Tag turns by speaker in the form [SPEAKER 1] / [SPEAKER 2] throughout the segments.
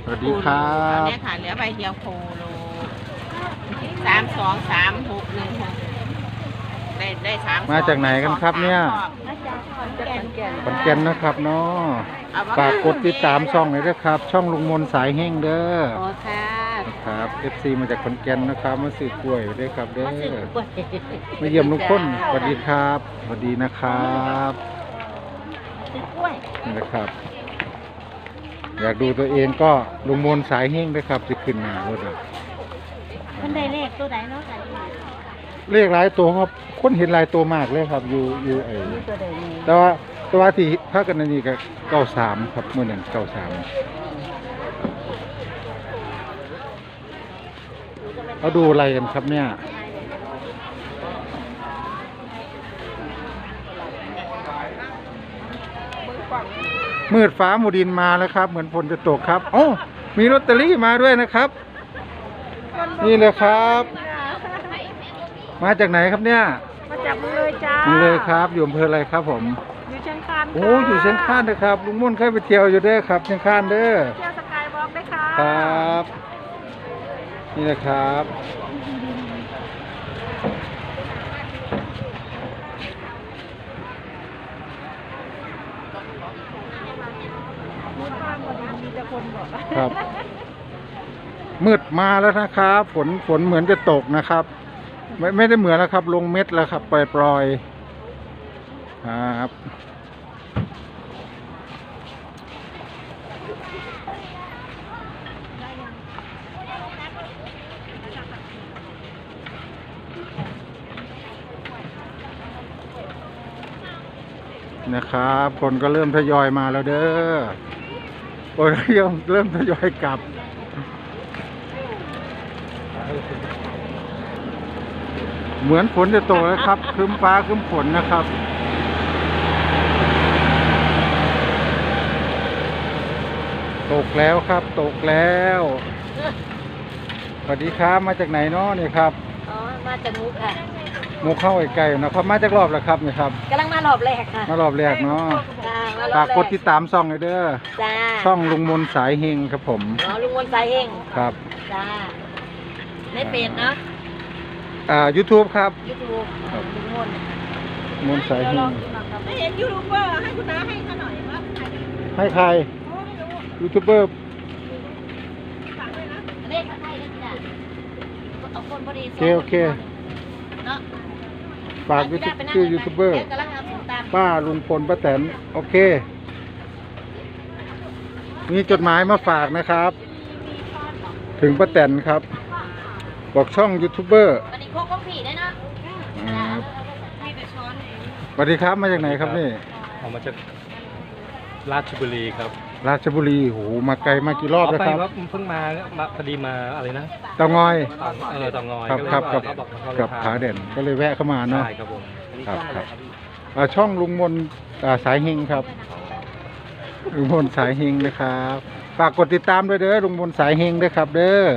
[SPEAKER 1] สวัสดีครับ
[SPEAKER 2] เนี่ยค่ะเหลือใบเดียวโคโล323616ได้3
[SPEAKER 1] มาจากไหนกันครับเนี่ย
[SPEAKER 2] มาจากขอนแก่น
[SPEAKER 1] ขอนแก่นนะครับเนาะฝากกดติดตามช่องหน่อยด้วยครับช่องลุงมนสายแห้งเด้อ
[SPEAKER 2] อ๋อค่ะ
[SPEAKER 1] ครับ FC มาจากขอนแก่นนะครับมาซื้อกล้วยด้วยครับเด้อ
[SPEAKER 2] มาซื้อกล้วย
[SPEAKER 1] มาเยี่ยมลุงพ้นสวัสดีครับสวัสดีนะครับ
[SPEAKER 2] ซื้อกล้วย
[SPEAKER 1] นี่นะครับอยากดูตัวเองก็ลุงมนสายแห้งด้วยครับจะขึ้นหน้ารถ
[SPEAKER 2] มันได้เลขตัวไหนเนาะค่ะ
[SPEAKER 1] เลขหลายตัวครับคนเห็นหลายตัวมากเลยครับอยู่ไอ้
[SPEAKER 2] ตัวใดนี่
[SPEAKER 1] แต่ว่าที่พากันนี่ก็93ครับเมื่อนั้น93เขาดูอะไรกันครับเนี่ยมืดฟ้ามูดินมาแล้วครับเหมือนฝนจะตกครับโอ้มีลอตเตอรี่มาด้วยนะครับนี่เลยครับมาจากไหนครับเนี่ย
[SPEAKER 2] มาจากเมืองเลยจ้า
[SPEAKER 1] เมืองเลยครับอยู่อำเภออะไรครับผม
[SPEAKER 2] อยู่เชียงคาน
[SPEAKER 1] โอ้อยู่เชียงคานนะครับลุงม่วนเคยไปเที่ยวอยู่เด้อครับเชียงคานเด้อ
[SPEAKER 2] เที่ยวสกายวอล์กได้ค่ะ
[SPEAKER 1] ครับนี่นะครับครับมืดมาแล้วนะครับฝนเหมือนจะตกนะครับไม่ได้เหมือนแล้วครับลงเม็ดแล้วครับปล่อยครับนะครับคนก็เริ่มทยอยมาแล้วเด้อโอ้ยเริ่มทยอยกลับเหมือนฝนจะตกแล้วครับครึ้มฟ้าครึ้มฝนนะครับตกแล้วครับตกแล้วสวัสดีครับมาจากไหนเนาะนี่ครับ
[SPEAKER 2] อ๋อมาจากมุกค่ะ
[SPEAKER 1] มุกเข้าไกลๆนะครับมาจากรอบแล้วครับนี่ครับ
[SPEAKER 2] กำลังมารอบแรกค่ะ
[SPEAKER 1] มารอบแรกเนาะฝากกดติดตามช่องเลยเด้อ
[SPEAKER 2] จ้า
[SPEAKER 1] ช่องลุงมนสายเฮงครับผม
[SPEAKER 2] อ๋อลุงมนสายเฮง
[SPEAKER 1] ครับ
[SPEAKER 2] จ้าในเพจเนาะ
[SPEAKER 1] YouTube ครับ
[SPEAKER 2] YouTube ลุง
[SPEAKER 1] มนสายเฮง
[SPEAKER 2] ไม่เห็นยูทูบเบอร์ให้คุณน้าให้เขาหน่อยว่า
[SPEAKER 1] ให้ใครยูทูบเบอร์
[SPEAKER 2] เลขให้ได้จ้ะเอาคนพอดี
[SPEAKER 1] โอเค
[SPEAKER 2] เนาะ
[SPEAKER 1] ฝากชื่อยูทูบเบอร์ป้าลุงพลป้าแตนโอเคมีจดหมายมาฝากนะครับถึงป้าแตนครับบอกช่องยูทูบเบอร์
[SPEAKER 2] วันนี้โคกผีได้เนาะ
[SPEAKER 1] สวัสดีครับมาจากไหนครับนี่
[SPEAKER 3] มาจากราชบุรีครับ
[SPEAKER 1] ราชบุรีโหมาไกลมากี่รอบแล้วครับ
[SPEAKER 3] เพิ่งมาพอดีมาอะไรนะ
[SPEAKER 1] เตางอย
[SPEAKER 3] เตางอย
[SPEAKER 1] ครับกับผาเด่นก็เลยแวะเข้ามาเนาะ
[SPEAKER 3] ใช่ครับผม
[SPEAKER 1] ครับช่องลุงมนสายเฮงครับลุงมนสายเฮงนะครับฝากกดติดตามด้วยเด้อลุงมนสายเฮงด้วยครับเด้อ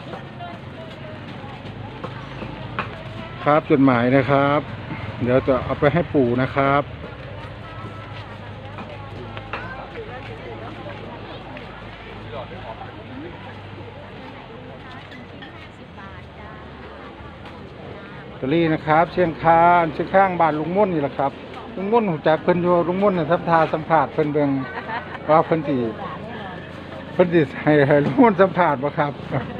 [SPEAKER 1] ครับจดหมายนะครับเดี๋ยวจะเอาไปให้ปู่นะครับตรีนะครับเชียงคานเชียงข้างบ้านลุงม่นนี่แหละครับลุงม่นหูจักเพิ่นอยู่ลุงม่นเนี่ยทับทาสัมผัสเพิ่นเบิ่งว่าเพิ่นสิให้ลุงม่นสัมผัสบ่ครับ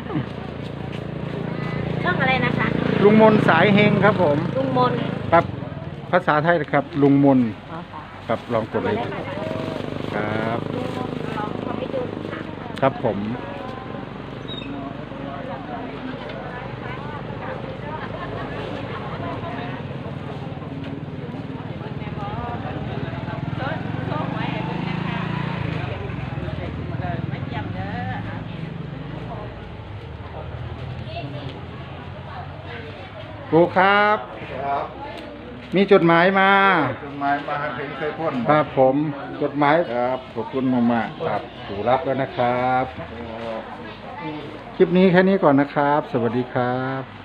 [SPEAKER 2] ช่องอะไรนะคะ
[SPEAKER 1] ลุงมนสายเฮงครับผม
[SPEAKER 2] ลุงมน
[SPEAKER 1] ครับภาษาไทยนะครับลุงมนครับลองกดเลยครับครับผมครูครับมีจดหมายมา
[SPEAKER 4] ถึงเคยพ่น
[SPEAKER 1] ครับผมจดหมายครับขอบคุณมากๆครับครูรับแล้วนะครับคลิปนี้แค่นี้ก่อนนะครับสวัสดีครับ